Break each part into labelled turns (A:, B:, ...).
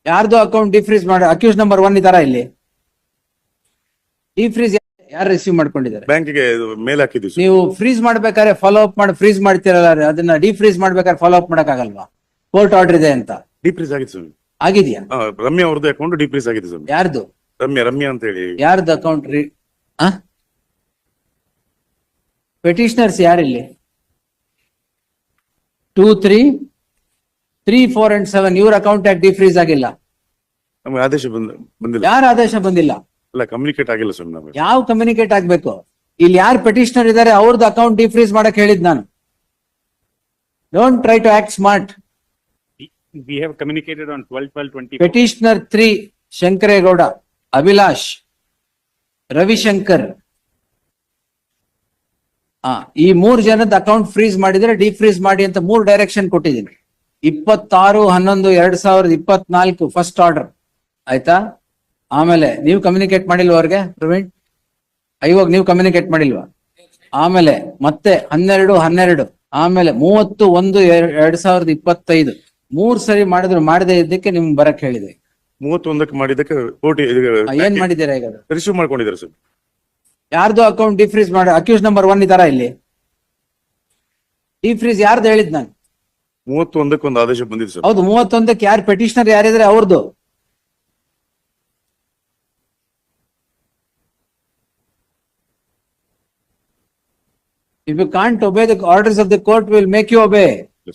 A: ಯಾರ್ದು ಅಕೌಂಟ್ ಡಿಫ್ರೀಸ್ ಮಾಡಿ accused number 1 ಇದಾರ ಇಲ್ಲಿ? ಡಿಫ್ರೀಸ್ ಯಾರು ರಿಸೀವ್ ಮಾಡ್ಕೊಂಡಿದ್ದಾರೆ?
B: ಬ್ಯಾಂಕಿಗೆ ಮೇಲ್ ಹಾಕಿದ್ವಿ ಸರ್.
A: ನೀವು ಫ್ರೀಸ್ ಮಾಡ್ಬೇಕಾದ್ರೆ ಫಾಲೋ ಅಪ್ ಮಾಡಿ ಫ್ರೀಸ್ ಮಾಡ್ತಿರಲ್ಲ, ಅದನ್ನ ಡಿಫ್ರೀಸ್ ಮಾಡ್ಬೇಕಾದ್ರೆ ಫಾಲೋ ಅಪ್ ಮಾಡಕ್ ಆಗಲ್ವಾ? ಕೋರ್ಟ್ ಆರ್ಡರ್ ಇದೆ ಅಂತ.
B: ಡಿಫ್ರೀಸ್ ಆಗಿತ್ತು ಸರ್.
A: ಆಗಿದ್ಯಾ?
B: ರಮ್ಯಾ ಅವ್ರದ್ದು ಅಕೌಂಟ್ ಡಿಫ್ರೀಸ್ ಆಗಿದೆ ಸರ್.
A: ಯಾರ್ದು?
B: ರಮ್ಯಾ ಅಂತ ಹೇಳಿ.
A: ಯಾರ್ದು ಅಕೌಂಟ್? ಪೆಟಿಷನರ್ಸ್ ಯಾರಿಲ್ಲಿ? 2, 3, 3, 4 and 7 ಇವ್ರ ಅಕೌಂಟ್ ಯಾಕೆ ಡಿಫ್ರೀಸ್ ಆಗಿಲ್ಲ?
B: ನಮ್ಗೆ ಆದೇಶ ಬಂದಿಲ್ಲ.
A: ಯಾರ ಆದೇಶ ಬಂದಿಲ್ಲ?
B: ಅಲ್ಲ, ಕಮ್ಯುನಿಕೇಟ್ ಆಗಿಲ್ಲ ಸರ್. ನಮಗೆ
A: ಯಾವ ಕಮ್ಯುನಿಕೇಟ್ ಆಗ್ಬೇಕು? ಇಲ್ಲಿ ಯಾರು ಪೆಟಿಷನರ್ ಇದಾರೆ ಅವ್ರದ್ದು ಅಕೌಂಟ್ ಡಿಫ್ರೀಸ್ ಮಾಡಕ್ ಹೇಳಿದ್ ನಾನು. Don't try to act smart.
C: We have communicated on 12/12/20.
A: Petitioner 3 Shankaregowda, Abhilash, Ravishankar, ಈ 3 ಜನದ ಅಕೌಂಟ್ ಫ್ರೀಸ್ ಮಾಡಿದ್ರೆ ಡಿಫ್ರೀಸ್ ಮಾಡಿ ಅಂತ 3 ಡೈರೆಕ್ಷನ್ ಕೊಟ್ಟಿದ್ದೀನಿ. 26/11/2024 ಫಸ್ಟ್ ಆರ್ಡರ್ ಆಯ್ತಾ? ಆಮೇಲೆ ನೀವು ಕಮ್ಯುನಿಕೇಟ್ ಮಾಡಿಲ್ವಾ ಅವ್ರಿಗೆ? ಪ್ರವೀಣ್, ಇವಾಗ ನೀವು ಕಮ್ಯುನಿಕೇಟ್ ಮಾಡಿಲ್ವಾ? ಆಮೇಲೆ ಮತ್ತೆ 12/12, ಆಮೇಲೆ 30/1/2025 3 ಸರಿ ಮಾಡಿದ್ರು. ಮಾಡದೇ ಇದ್ದಕ್ಕೆ ನಿಮ್ಗೆ ಬರಕ್ ಹೇಳಿದೆ.
B: 31ಕ್ಕೆ ಮಾಡಿದ್ದಕ್ಕೆ ಕೋರ್ಟ್
A: ಏನ್ ಮಾಡಿದ್ದೀರಾ ಈಗ?
B: ರಿಸೀವ್ ಮಾಡ್ಕೊಂಡಿದ್ದಾರೆ ಸರ್.
A: ಯಾರ್ದು ಅಕೌಂಟ್ ಡಿಫ್ರೀಸ್ ಮಾಡಿ ಅಕ್ಯೂಸ್ ನಂಬರ್ 1 ಇದಾರ ಇಲ್ಲಿ? ಡಿಫ್ರೀಸ್ ಯಾರ್ದು ಹೇಳಿದ್ ನಾನು?
B: 31ಕ್ಕೆ ಒಂದು ಆದೇಶ ಬಂದಿದೆ ಸರ್.
A: ಹೌದು, 31ಕ್ಕೆ ಯಾರು ಪೆಟಿಷನರ್ ಯಾರಿದ್ರೆ ಅವ್ರದ್ದು. If you can't obey the orders of the court, we will make you obey.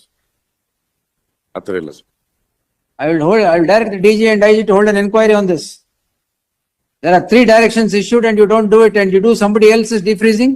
B: ಆತರ ಇಲ್ಲ sir.
A: I will direct the DG and IG to hold an inquiry on this. There are 3 directions issued and you don't do it and you do somebody else's defreezing.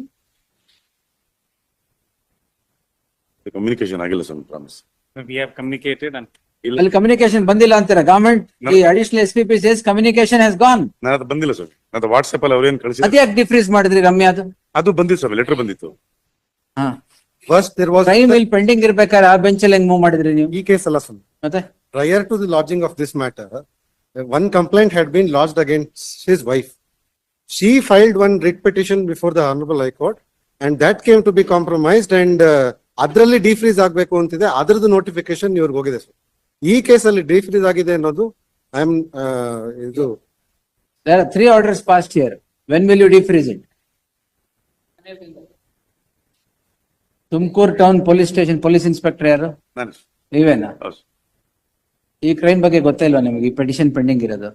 B: Communication ಆಗಿಲ್ಲ sir. Promise.
C: We have communicated and
A: ಅಲ್ಲಿ communication ಬಂದಿಲ್ಲ ಅಂತೀರಾ? Government ಈ additional SPP says communication has gone.
B: ಅದು ಬಂದಿಲ್ಲ sir. ಅದು WhatsApp ಅಲ್ಲಿ ಅವ್ರೇನ್ ಕಳಿಸಿದ್ರು
A: ಅದ್ಯಾಕೆ ಡಿಫ್ರೀಸ್ ಮಾಡಿದ್ರಿ ರಮ್ಯಾದು?
B: ಅದು ಬಂದಿತ್ತು ಸರ್. ಲೆಟರ್ ಬಂದಿತ್ತು.
D: First, there was
A: ಟೈಮ್ ಇಲ್ಲಿ ಪೆಂಡಿಂಗ್ ಇರ್ಬೇಕಾದ್ರೆ ಆ ಬೆಂಚ್ ಅಲ್ಲಿ ಹೆಂಗ್ ಮೂವ್ ಮಾಡಿದ್ರಿ ನೀವು?
D: e case alla son.
A: ಮತ್ತೆ
D: Prior to the lodging of this matter, one complaint had been lodged against his wife. She filed one writ petition before the Honorable High Court, and that came to be compromised. And ಅದ್ರಲ್ಲಿ ಡಿಫ್ರೀಸ್ ಆಗ್ಬೇಕು ಅಂತಿದೆ, ಅದ್ರದ್ದು notification ಇವ್ರಿಗೆ ಹೋಗಿದೆ sir. ಈ case ಅಲ್ಲಿ defreeze ಆಗಿದೆ ಅನ್ನೋದು ಐ ಆಮ್ ಇದು.
A: there are 3 orders passed here. When will you defreeze it? Tumakuru town police station police inspector ಯಾರು?
B: ನಾನು
A: ನೀವೇನಾ?
B: ಹೌದು.
A: ಈ ಕ್ರೈಮ್ ಬಗ್ಗೆ ಗೊತ್ತೇ ಇಲ್ವಾ ನಿಮಗೆ? ಈ ಪೆಟಿಷನ್ ಪೆಂಡಿಂಗ್ ಇರೋದು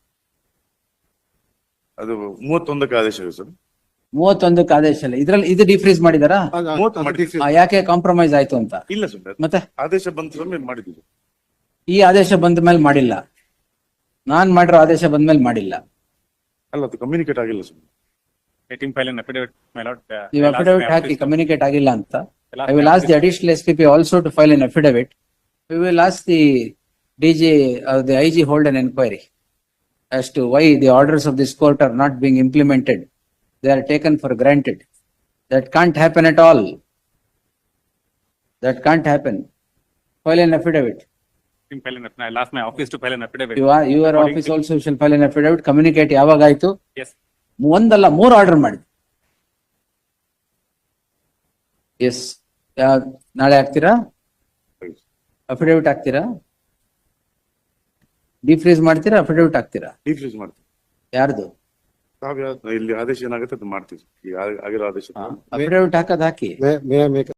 B: ಅದು 31ಕ್ಕೆ ಆದೇಶ ಇದೆ ಸರ್.
A: 31ಕ್ಕೆ ಆದೇಶ ಇಲ್ಲ. ಇದ್ರಲ್ಲಿ ಇದು ಡಿಫ್ರೀಸ್ ಮಾಡಿದಾರಾ?
B: 30 ಮಾಡಿ.
A: ಯಾಕೆ ಕಾಂಪ್ರಮೈಸ್ ಆಯ್ತು ಅಂತ?
B: ಇಲ್ಲ ಸರ್.
A: ಮತ್ತೆ
B: ಆದೇಶ ಬಂದ ಮೇಲೆ ಮಾಡಿದ್ವಿ.
A: ಈ ಆದೇಶ ಬಂದ ಮೇಲೆ ಮಾಡಿಲ್ಲ, ನಾನ್ ಮಾಡಿರೋ ಆದೇಶ ಬಂದ ಮೇಲೆ ಮಾಡಿಲ್ಲ.
B: ಅಲ್ಲ, ಅದು ಕಮ್ಯುನಿಕೇಟ್ ಆಗಿಲ್ಲ sir.
C: let him file an affidavit, my lord.
A: ನೀವು
C: I'll ask
A: ಅಫಿಡವಿಟ್
C: my
A: ಹಾಕಿ
C: office to-
A: ಕಮ್ಯುನಿಕೇಟ್ ಆಗಿಲ್ಲ ಅಂತ.
C: I'll ask
A: I will
C: my
A: ask the
C: office
A: additional SPP also to file an affidavit. We will ask the DG, the IG hold an inquiry as to why the orders of this court are not being implemented. They are taken for granted. That can't happen at all. That can't happen. File an affidavit.
C: let him file an affidavit. I'll ask my office to file an affidavit.
A: Your
C: According
A: office
C: to-
A: also shall file an affidavit. Communicate ಯಾವಾಗ ಆಯ್ತು?
C: Yes.
A: ಒಂದಲ್ಲ 3 order ಮಾಡಿ. S, ನಾಳೆ ಹಾಕ್ತೀರಾ? Affidavit ಹಾಕ್ತೀರಾ? ಡಿಫ್ರೀಸ್ ಮಾಡ್ತೀರಾ? Affidavit ಹಾಕ್ತೀರಾ?
B: ಡಿಫ್ರೀಸ್ ಮಾಡ್ತೀವಿ.
A: ಯಾರ್ದು?
B: ಇಲ್ಲಿ ಆದೇಶ ಏನಾಗುತ್ತೆ ಅದು ಮಾಡ್ತೀವಿ. ಈಗ ಆಗಿರೋ ಆದೇಶ
A: ಅಫಿಡವಿಟ್ ಹಾಕೋದ್ ಹಾಕಿ.
D: May I make